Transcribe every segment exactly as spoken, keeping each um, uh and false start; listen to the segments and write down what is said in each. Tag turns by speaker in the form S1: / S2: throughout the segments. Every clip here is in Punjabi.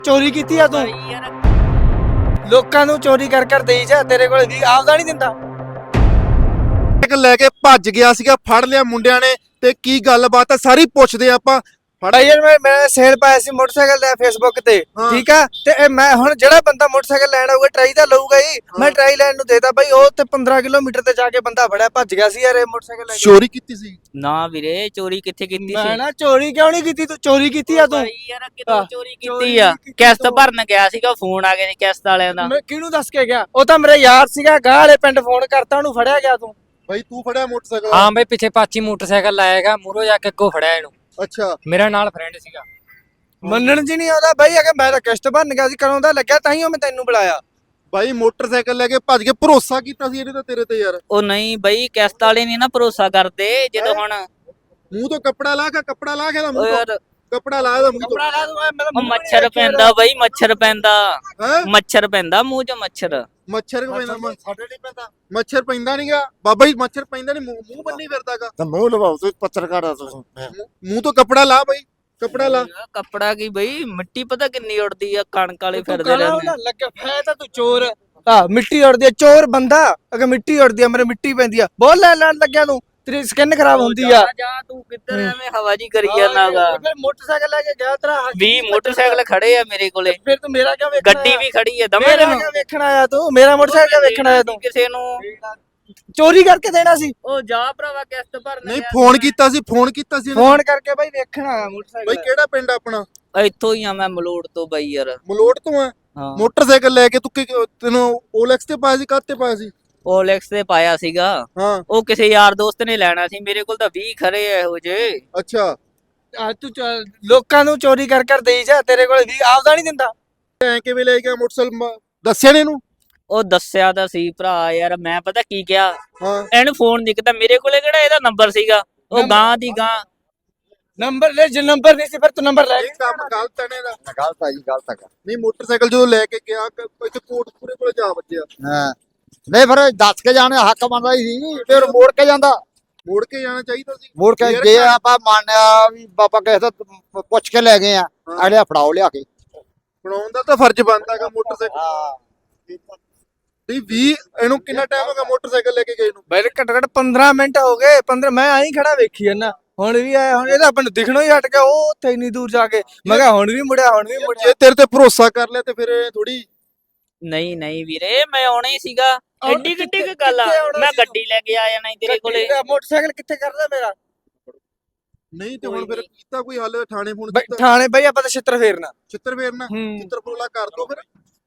S1: ਚੋਰੀ ਕੀਤੀ ਆ ਤੂੰ? ਲੋਕਾਂ ਨੂੰ ਚੋਰੀ ਕਰ ਕਰ ਦੇਈ ਜਾ, ਤੇਰੇ ਕੋਲ ਵੀ ਆਪਦਾ ਨਹੀਂ ਦਿੰਦਾ।
S2: ਇੱਕ ਲੈ ਕੇ ਭੱਜ ਗਿਆ ਸੀਗਾ, ਫੜ ਲਿਆ ਮੁੰਡਿਆਂ ਨੇ। ਤੇ ਕੀ ਗੱਲਬਾਤ ਹੈ ਸਾਰੀ ਪੁੱਛਦੇ ਆਪਾਂ। ਫੜ
S1: ਭਾਈ ਯਾਰ ਮੈਂ ਮੈਂ ਸੇਲ ਪਾਇਆ ਸੀ ਮੋਟਰਸਾਈਕਲ ਦਾ ਫੇਸਬੁੱਕ ਤੇ, ਠੀਕ ਆ। ਤੇ ਇਹ ਮੈਂ ਹੁਣ ਜਿਹੜਾ ਬੰਦਾ ਮੋਟਰਸਾਈਕਲ ਲੈਣ ਆਊਗਾ ਟਰਾਈ ਤਾਂ ਲਊਗਾ ਹੀ। ਮੈਂ ਟਰਾਈ ਲੈਣ ਨੂੰ ਦੇਦਾ ਬਾਈ, ਉਹ ਤੇ ਪੰਦਰਾਂ ਕਿਲੋਮੀਟਰ ਤੇ ਜਾ ਕੇ ਬੰਦਾ ਫੜਿਆ ਭੱਜ ਗਿਆ ਸੀ ਯਾਰ ਇਹ ਮੋਟਰਸਾਈਕਲ ਲੈ ਕੇ।
S2: ਚੋਰੀ ਕੀਤੀ ਸੀ?
S3: ਨਾ ਵੀਰੇ, ਚੋਰੀ ਕਿੱਥੇ ਕੀਤੀ
S1: ਮੈਂ
S3: ਸੀ?
S1: ਨਾ ਚੋਰੀ ਕਿਉਂ ਨਹੀਂ ਕੀਤੀ? ਤੂੰ ਚੋਰੀ ਕੀਤੀ ਆ ਤੂੰ?
S3: ਭਾਈ ਯਾਰ ਕਿਦੋਂ ਚੋਰੀ ਕੀਤੀ ਆ? ਕਿਸ਼ਤ ਭਰਨ ਗਿਆ ਸੀਗਾ, ਫੋਨ ਆ ਗਿਆ ਸੀ ਕਿਸ਼ਤ ਵਾਲਿਆਂ ਦਾ।
S1: ਮੈਂ ਕਿਹਨੂੰ ਦੱਸ ਕੇ ਗਿਆ? ਉਹ ਤਾਂ ਮੇਰਾ ਯਾਰ ਸੀਗਾ, ਗਾਹ ਵਾਲੇ ਪਿੰਡ ਫੋਨ ਕਰਤਾ, ਉਹਨੂੰ ਫੜਿਆ ਗਿਆ ਤੂੰ।
S2: ਭਾਈ ਤੂੰ ਫੜਿਆ ਮੋਟਰਸਾਈਕਲ?
S4: ਹਾਂ ਬਈ, ਪਿੱਛੇ ਪਾਚੀ ਮੋਟਰਸਾਈਕਲ ਲਾਏਗਾ, ਮੂਰੋ ਜਾ ਕੇ ਅੱਗੋਂ ਫੜਿਆ ਇਹਨੂੰ।
S2: ਅੱਛਾ,
S4: ਮੇਰਾ ਨਾਲ ਫਰੈਂਡ ਸੀਗਾ।
S1: ਮੰਨਣ ਜੀ ਨਹੀਂ ਆਉਂਦਾ ਬਾਈ, ਅਗੇ ਮੈਂ ਤਾਂ ਕਿਸ਼ਤ ਭਰਨ ਗਿਆ ਸੀ, ਕਦੋਂ ਦਾ ਲੱਗਿਆ, ਤਾਂ ਹੀ ਉਹ ਮੈਂ ਤੈਨੂੰ ਬੁਲਾਇਆ।
S2: ਭਾਈ ਮੋਟਰਸਾਈਕਲ ਲੈ ਕੇ ਭੱਜ ਕੇ, ਭਰੋਸਾ ਕੀਤਾ ਸੀ ਇਹਨੇ ਤਾਂ ਤੇਰੇ ਤੇ ਯਾਰ।
S3: ਉਹ ਨਹੀਂ ਬਈ, ਕਿਸ਼ਤ ਵਾਲੇ ਨਹੀਂ ਨਾ ਭਰੋਸਾ ਕਰਦੇ। ਜਦੋਂ ਹੁਣ
S2: ਮੂੰਹ ਤੋਂ ਕੱਪੜਾ ਲਾ ਕੇ, ਕੱਪੜਾ ਲਾ ਕੇ ਦਾ
S3: ਉਹ
S2: ਮੂੰਹ ਤੋਂ,
S3: ਯਾਰ
S2: ਕੱਪੜਾ ਲਾ ਦਾ ਮੂੰਹ ਤੋਂ।
S1: ਕੱਪੜਾ ਲਾ ਦੂੰ, ਮੈਂ
S3: ਉਹ ਮੱਛਰ ਪੈਂਦਾ ਬਈ, ਮੱਛਰ ਪੈਂਦਾ,
S2: ਹੈ
S3: ਮੱਛਰ ਪੈਂਦਾ ਮੂੰਹ 'ਚ ਮੱਛਰ।
S2: ਮੱਛਰ ਕਿਉਂ ਪੈਂਦਾ? ਸਾਡੇ ਨਹੀਂ ਪੈਂਦਾ ਮੱਛਰ, ਪੈਂਦਾ ਨਹੀਂਗਾ ਬਾਬਾ ਜੀ, ਮੱਛਰ ਪੈਂਦਾ ਨਹੀਂ। ਮੂੰਹ ਬੰਨੀ ਫਿਰਦਾਗਾ
S5: ਤਾਂ ਮੂੰਹ ਲਵਾਓ, ਤੁਸੀਂ ਪੱਤਰਕਾਰ ਆ ਤੁਸੀਂ।
S2: ਮੂੰਹ ਤੋਂ ਕੱਪੜਾ ਲਾ ਬਾਈ, ਕੱਪੜਾ ਲਾ।
S3: ਕੱਪੜਾ ਕੀ ਬਈ, ਮਿੱਟੀ ਪਤਾ ਕਿੰਨੀ ਉੜਦੀ ਆ, ਕਣਕ ਵਾਲੇ ਫਿਰਦੇ ਰਹਿੰਦੇ।
S1: ਲੱਗਿਆ ਫੈ ਤਾਂ ਤੂੰ ਚੋਰ ਆ। ਮਿੱਟੀ ਉੜਦੀ ਆ, ਚੋਰ ਬੰਦਾ ਅਗੇ ਮਿੱਟੀ ਉੜਦੀ ਆ, ਮੇਰੇ ਮਿੱਟੀ ਪੈਂਦੀ ਆ। ਬਹੁਤ ਲੈ ਲੈਣ ਲੱਗਿਆ ਤੂੰ, ਤੇਰੀ ਸਕਿਨ ਖਰਾਬ ਹੁੰਦੀ ਆ।
S3: ਜਾ ਤੂੰ ਕਿੱਧਰ ਐਵੇਂ ਹਵਾ ਜੀ ਕਰੀ ਜਾਂਦਾਗਾ।
S1: ਫਿਰ ਮੋਟਰਸਾਈਕਲ ਲੈ ਕੇ ਗਿਆ ਤੇਰਾ
S3: ਵੀਹ ਮੋਟਰਸਾਈਕਲ ਖੜੇ ਆ ਮੇਰੇ ਕੋਲੇ,
S1: ਫਿਰ ਤੂੰ ਮੇਰਾ ਕਿਉਂ ਵੇਖਣਾ?
S3: ਗੱਡੀ ਵੀ ਖੜੀ ਆ ਦਮੇ
S1: ਮੇਰਾ
S3: ਤੈਨੂੰ।
S1: ਕਿਉਂ ਵੇਖਣ ਆਇਆ ਤੂੰ? ਮੇਰਾ ਮੋਟਰਸਾਈਕਲ ਵੇਖਣ ਆਇਆ ਤੂੰ?
S3: ਕਿਸੇ ਨੂੰ
S1: ਚੋਰੀ ਕਰਕੇ ਦੇਣਾ ਸੀ?
S3: ਉਹ ਜਾ ਭਰਾਵਾ ਕਿਸ਼ਤ ਭਰਨ
S2: ਨਹੀਂ ਫੋਨ ਕੀਤਾ ਸੀ, ਫੋਨ ਕੀਤਾ ਸੀ ਇਹਨੇ।
S1: ਫੋਨ ਕਰਕੇ ਬਾਈ ਵੇਖਣ ਆਇਆ ਮੋਟਰਸਾਈਕਲ।
S2: ਬਾਈ ਕਿਹੜਾ ਪਿੰਡ ਆਪਣਾ?
S3: ਇੱਥੋਂ ਹੀ ਆ ਮੈਂ, ਮਲੋੜ ਤੋਂ ਬਾਈ ਯਾਰ।
S2: ਮਲੋਟ ਤੋਂ ਆ?
S3: ਹਾਂ,
S2: ਮੋਟਰਸਾਈਕਲ ਲੈ ਕੇ ਤੂੰ ਕਿ- ਤੈਨੂੰ ਓਲੈਕਸ ਤੇ ਪਾਇਆ ਸੀ, ਕਾਹਤੇ ਪਾਇਆ ਸੀ?
S3: ਓਲੈਕਸ ਤੇ ਪਾਇਆ ਸੀਗਾ।
S2: ਹਾਂ,
S3: ਉਹ ਕਿਸੇ ਯਾਰ ਦੋਸਤ ਨੇ ਲੈਣਾ ਸੀ, ਮੇਰੇ ਕੋਲ ਤਾਂ ਵੀਹ ਖਰੇ ਆ ਇਹੋ ਜੇ।
S2: ਅੱਛਾ।
S1: ਆ ਤੂੰ ਚ- ਲੋਕਾਂ ਨੂੰ ਚੋਰੀ ਕਰ ਕਰ ਦੇਈ ਜਾ, ਤੇਰੇ ਕੋਲ ਵੀ ਆਪਦਾ ਨਹੀਂ ਦਿੰਦਾ।
S2: ਐ ਕਿਵੇਂ ਲੈ ਗਿਆ ਮੋਟਰਸਾਈਕਲ? ਮ- ਦੱਸਿਆ ਨੀ ਇਹਨੂੰ?
S3: ਉਹ ਦੱਸਿਆ ਤਾਂ ਸੀ ਭਰਾ ਯਾਰ, ਮੈਂ ਪਤਾ ਕੀ ਕਿਹਾ,
S2: ਹਾਂ,
S3: ਇਹਨੂੰ ਫੋਨ ਦਿਖਦਾ, ਮੇਰੇ ਕੋਲੇ ਕਿਹੜਾ ਇਹਦਾ ਨੰਬਰ ਸੀਗਾ। ਉਹ
S1: ਨੰਬਰ-
S3: ਗਾਂ ਦੀ ਗਾਂ।
S1: ਨੰਬਰ ਲੈ, ਜੇ ਨੰਬਰ ਨਹੀਂ ਸੀ ਫਿਰ ਤੂੰ ਨੰਬਰ ਲੈ
S2: ਇਹ ਕੰਮ ਗਲਤ ਹੈ ਨੇ ਦਾ।
S5: ਗਲਤ ਆ ਜੀ, ਗਲਤ ਹੈਗਾ।
S2: ਨਹੀਂ ਮੋਟਰਸਾਈਕਲ ਜਦੋਂ ਲੈ ਕੇ ਗਿਆ, ਕ- ਇੱਥੇ ਕੋਟਪੂਰੇ ਕੋਲੇ ਜਾ ਵੱਜਿਆ।
S5: ਹਾਂ, ਨਹੀਂ ਫਿਰ ਦੱਸ ਕੇ ਜਾਣੇ ਹੱਕ ਬਣਦਾ ਹੀ ਸੀ, ਫਿਰ ਮੋੜ ਕੇ ਜਾਂਦਾ।
S2: ਮੋੜ ਕੇ ਜਾਣਾ ਚਾਹੀਦਾ ਸੀ।
S5: ਮੋੜ ਕੇ
S2: ਯਾਰ
S5: ਜੇ
S2: ਘਰ-
S5: ਆਪਾਂ ਮੰਨਿਆ ਵੀ ਬਾਬਾ ਕਿਸੇ ਤੋਂ ਪੁੱਛ ਕੇ ਲੈ ਗਏ ਆ, ਅਗਲੇ ਫੜਾਓ ਲਿਆ ਕੇ।
S2: ਬਣਾਉਣ ਦਾ ਤਾਂ ਫਰਜ਼ ਬਣਦਾ ਹੈਗਾ ਮੋਟਰਸਾਈਕਲ।
S5: ਹਾਂ,
S2: ਨਹੀਂ ਵੀ ਇਹਨੂੰ ਕਿੰਨਾ ਟਾਈਮ ਹੋ ਗਿਆ ਮੋਟਰਸਾਈਕਲ ਲੈ ਕੇ ਗਏ ਨੂੰ?
S1: ਬਈ ਘੱਟ ਘੱਟ ਪੰਦਰਾਂ ਮਿੰਟ ਹੋ ਗਏ। ਪੰਦਰਾਂ ਮੈਂ ਆਈ ਖੜਾ ਵੇਖੀ ਜਾਂਦਾ, ਹੁਣ ਵੀ ਆਇਆ। ਹੁਣ ਇਹਦਾ ਆਪਾਂ ਨੂੰ ਦਿਖਣੋਂ ਹੀ ਹਟ ਗਿਆ, ਉਹ ਉੱਥੇ ਇੰਨੀ ਦੂਰ ਜਾ ਕੇ। ਮੈਂ ਕਿਹਾ ਹੁਣ ਵੀ ਮੁੜਿਆ, ਹੁਣ ਵੀ ਮੁੜਿਆ।
S2: ਜੇ ਤੇਰੇ ਤੇ ਭਰੋਸਾ ਕਰ ਲਿਆ ਤੇ ਫਿਰ ਥੋੜੀ।
S3: ਨਹੀਂ ਨਹੀਂ ਵੀਰੇ, ਮੈਂ ਆਉਣਾ ਹੀ ਸੀਗਾ। ਐਡੀ ਕਿੱਡੀ ਕੁ ਗੱਲ ਆ,
S1: ਕਿੱਥੇ ਆਉਣਾ
S3: ਮੈਂ
S1: ਸੀ
S3: ਗੱਡੀ ਲੈ ਕੇ ਆ ਜਾਣਾ ਸੀ ਤੇਰੇ ਕੋਲੇ।
S1: ਤੇਰਾ ਮੋਟਰਸਾਈਕਲ ਕਿੱਥੇ ਕਰਦਾ ਮੇਰਾ?
S2: ਨਹੀਂ ਤੇ ਹੁਣ ਫਿਰ ਕੀਤਾ ਕੋਈ ਹੱਲ? ਥਾਣੇ ਫੋਨ
S1: ਬਈ
S2: ਕੀਤਾ?
S1: ਥਾਣੇ ਬਈ ਆਪਾਂ ਤਾਂ ਛਿੱਤਰ ਫੇਰਨਾ।
S2: ਚਿੱਤਰ ਫੇਰਨਾ?
S1: ਹੂੰ।
S2: ਚਿੱਤਰ ਫਰੋਲਾ ਕਰ ਦੋ ਫਿਰ,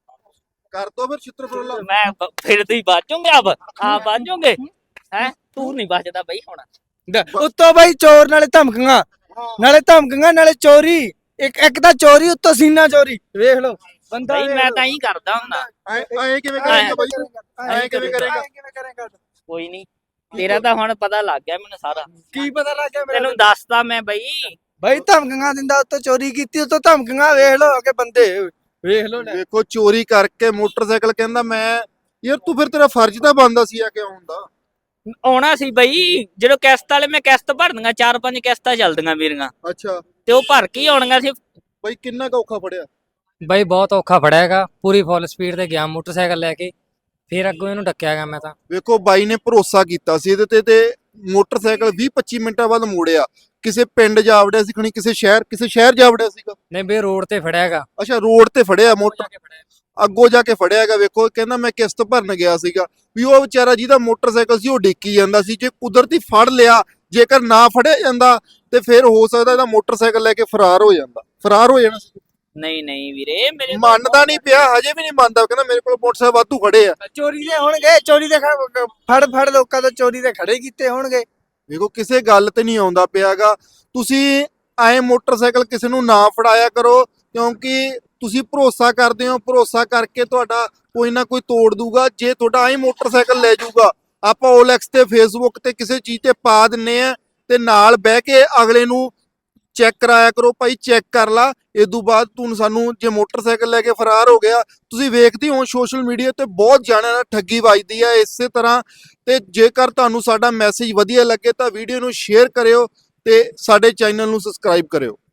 S2: ਕਰ ਦੋ ਫਿਰ ਚਿੱਤਰ ਫਰੋਲਾ।
S3: ਮੈਂ ਬ- ਫਿਰ ਤੁਸੀਂ ਬਾਜੋਗੇ ਆਪ ਆ ਬਾਜੋਗੇ ਹੈ? ਤੂੰ ਨਹੀਂ ਬਚਦਾ ਬਈ ਹੁਣ।
S1: ਉੱਤੋਂ ਬਈ ਚੋਰ, ਨਾਲੇ ਧਮਕੀਆਂ, ਨਾਲੇ ਧਮਕੀਆਂ, ਨਾਲੇ ਚੋਰੀ। ਇੱਕ ਇੱਕ ਤਾਂ ਚੋਰੀ, ਉੱਤੋਂ ਸੀਨਾ ਚੋਰੀ। ਵੇਖ ਲਓ ਬੰਦਾ।
S3: ਬਈ ਮੈਂ ਤਾਂ ਹੀ ਕਰਦਾ ਹੁੰਦਾ।
S2: ਐ ਐ ਕਿਵੇਂ ਕਰੇਗਾ ਬਾਈ? ਐ ਕਿਵੇਂ ਕਰੇਗਾ?
S1: ਕਿਵੇਂ ਕਰੇਗਾ?
S3: ਕੋਈ ਨਹੀਂ, ਤੇਰਾ ਤਾਂ ਹੁਣ ਪਤਾ ਲੱਗ ਗਿਆ ਮੈਨੂੰ ਸਾਰਾ।
S1: ਕੀ ਪਤਾ ਲੱਗ ਗਿਆ ਮੈਨੂੰ?
S3: ਤੈਨੂੰ ਦੱਸਤਾ ਮੈਂ ਬਈ।
S1: ਬਈ ਧਮਕੀਆਂ ਦਿੰਦਾ, ਉੱਤੋਂ ਚੋਰੀ ਕੀਤੀ, ਉੱਤੋਂ ਧਮਕੀਆਂ। ਵੇਖ ਲਓ ਅਗੇ ਬੰਦੇ, ਵੇਖ ਲਓ।
S2: ਵੇਖੋ ਚੋਰੀ ਕਰਕੇ ਮੋਟਰਸਾਈਕਲ ਕਹਿੰਦਾ ਮੈਂ। ਯਾਰ ਤੂੰ ਫਿਰ ਤੇਰਾ ਫਰਜ਼ ਤਾਂ ਬਣਦਾ ਸੀ ਆ ਕਿ ਆਉਣ ਦਾ।
S3: ਆਉਣਾ ਸੀ ਬਈ, ਜਦੋਂ ਕਿਸ਼ਤ ਵਾਲੇ ਮੈਂ ਕਿਸ਼ਤ ਭਰਨੀਆਂ, ਚਾਰ ਪੰਜ ਕਿਸ਼ਤਾਂ ਚੱਲਦੀਆਂ ਮੇਰੀਆਂ,
S2: ਅੱਛਾ
S3: ਤੇ ਉਹ ਭਰ ਕੇ ਹੀ ਆਉਣੀਆਂ ਸੀ।
S2: ਬਾਈ ਕਿੰਨਾ ਕੁ ਔਖਾ ਫੜਿਆ?
S4: ਬਈ ਬਹੁਤ ਔਖਾ ਫੜਿਆ ਹੈਗਾ, ਪੂਰੀ ਫੁੱਲ ਸਪੀਡ ਤੇ ਗਿਆ ਮੋਟਰਸਾਈਕਲ ਲੈ ਕੇ, ਫਿਰ ਅੱਗੋਂ ਇਹਨੂੰ ਡੱਕਿਆ ਗਿਆ ਮੈਂ ਤਾਂ।
S2: ਵੇਖੋ ਬਾਈ ਨੇ ਭਰੋਸਾ ਕੀਤਾ ਸੀ ਇਹਦੇ ਤੇ ਤੇ ਮੋਟਰਸਾਈਕਲ ਵੀਹ ਪੱਚੀ ਮਿੰਟਾਂ ਬਾਅਦ ਮੋੜਿਆ। ਕਿਸੇ ਪਿੰਡ ਜਾ ਵੜਿਆ ਸੀ ਖਣੀ, ਕਿਸੇ ਸ਼ਹਿਰ ਕਿਸੇ ਸ਼ਹਿਰ ਜਾ ਵੜਿਆ ਸੀਗਾ।
S4: ਨਹੀਂ ਬਈ, ਰੋਡ ਤੇ ਫੜਿਆ ਹੈਗਾ।
S2: ਅੱਛਾ ਰੋਡ ਤੇ ਫੜਿਆ ਮੋਟਰ, ਅੱਗੋਂ ਜਾ ਕੇ ਫੜਿਆ ਹੈਗਾ। ਵੇਖੋ ਕਹਿੰਦਾ ਮੈਂ ਕਿਸ਼ਤ ਭਰਨ ਗਿਆ ਸੀਗਾ। ਵੀ ਉਹ ਵਿਚਾਰਾ ਜਿਹਦਾ ਮੋਟਰਸਾਈਕਲ ਸੀ ਉਹ ਡਿੱਕੀ ਜਾਂਦਾ ਸੀ। ਜੇ ਕੁਦਰਤੀ ਫੜ ਲਿਆ, ਜੇਕਰ ਨਾ ਫੜਿਆ ਜਾਂਦਾ ਤੇ ਫਿਰ ਹੋ ਸਕਦਾ ਇਹਦਾ ਮੋਟਰਸਾਈਕਲ ਲੈ ਕੇ ਫਰਾਰ ਹੋ ਜਾਂਦਾ, ਫਰਾਰ ਹੋ ਜਾਣਾ ਸੀ।
S3: ਨਹੀਂ ਨਹੀਂ ਵੀਰੇ, ਮੇਰੇ ਕੋਲ
S2: ਮੰਨਦਾ ਨਹੀਂ ਪਿਆ, ਹਜੇ ਵੀ ਨਹੀਂ ਮੰਨਦਾ। ਕਹਿੰਦਾ ਮੇਰੇ ਕੋਲ ਮੋਟਰਸਾਈਕਲ ਵਾਧੂ ਖੜੇ ਆ।
S1: ਚੋਰੀ ਦੇ ਹੋਣਗੇ, ਚੋਰੀ ਦੇ ਖ- ਫੜ ਫੜ ਲੋਕਾਂ ਤੋਂ ਚੋਰੀ ਦੇ ਖੜੇ ਕੀਤੇ ਹੋਣਗੇ।
S2: ਵੇਖੋ ਕਿਸੇ ਗੱਲ ਤੇ ਨਹੀਂ ਆਉਂਦਾ ਪਿਆਗਾ। ਤੁਸੀਂ ਐ ਮੋਟਰਸਾਈਕਲ ਕਿਸੇ ਨੂੰ ਨਾ ਫੜਾਇਆ ਕਰੋ, ਕਿਉਂਕਿ ਤੁਸੀਂ ਭਰੋਸਾ ਕਰਦੇ ਹੋ। ਭਰੋਸਾ ਕਰਕੇ ਤੁਹਾਡਾ ਕੋਈ ਨਾ ਕੋਈ ਤੋੜ ਦੂਗਾ। ਜੇ ਤੁਹਾਡਾ ਐ ਮੋਟਰਸਾਈਕਲ ਲੈ ਜਾਊਗਾ, ਆਪਾਂ ਓਲੈਕਸ ਤੇ ਫੇਸਬੁੱਕ ਤੇ ਕਿਸੇ ਚੀਜ਼ ਤੇ ਪਾ ਦਿੰਨੇ ਆ, ਤੇ ਨਾਲ ਬਹਿ ਕੇ ਅਗਲੇ ਨੂੰ ਚੈੱਕ ਕਰਾਇਆ ਕਰੋ। ਭਾਈ ਚੈੱਕ ਕਰ ਲਾ, ਇਦੋਂ ਬਾਅਦ ਤੂੰ ਸਾਨੂੰ ਜੇ ਮੋਟਰਸਾਈਕਲ ਲੈ ਕੇ ਫਰਾਰ ਹੋ ਗਿਆ। ਤੁਸੀਂ ਵੇਖਦੇ ਹੋ ਸੋਸ਼ਲ ਮੀਡੀਆ ਤੇ ਬਹੁਤ ਜਾਣਿਆਂ ਨਾਲ ਠੱਗੀ ਵੱਜਦੀ ਹੈ ਇਸੇ ਤਰ੍ਹਾਂ। ਤੇ ਜੇਕਰ ਤੁਹਾਨੂੰ ਸਾਡਾ ਮੈਸੇਜ ਵਧੀਆ ਲੱਗੇ ਤਾਂ ਵੀਡੀਓ ਨੂੰ ਸ਼ੇਅਰ ਕਰਿਓ ਤੇ ਸਾਡੇ ਚੈਨਲ ਨੂੰ ਸਬਸਕ੍ਰਾਈਬ ਕਰਿਓ।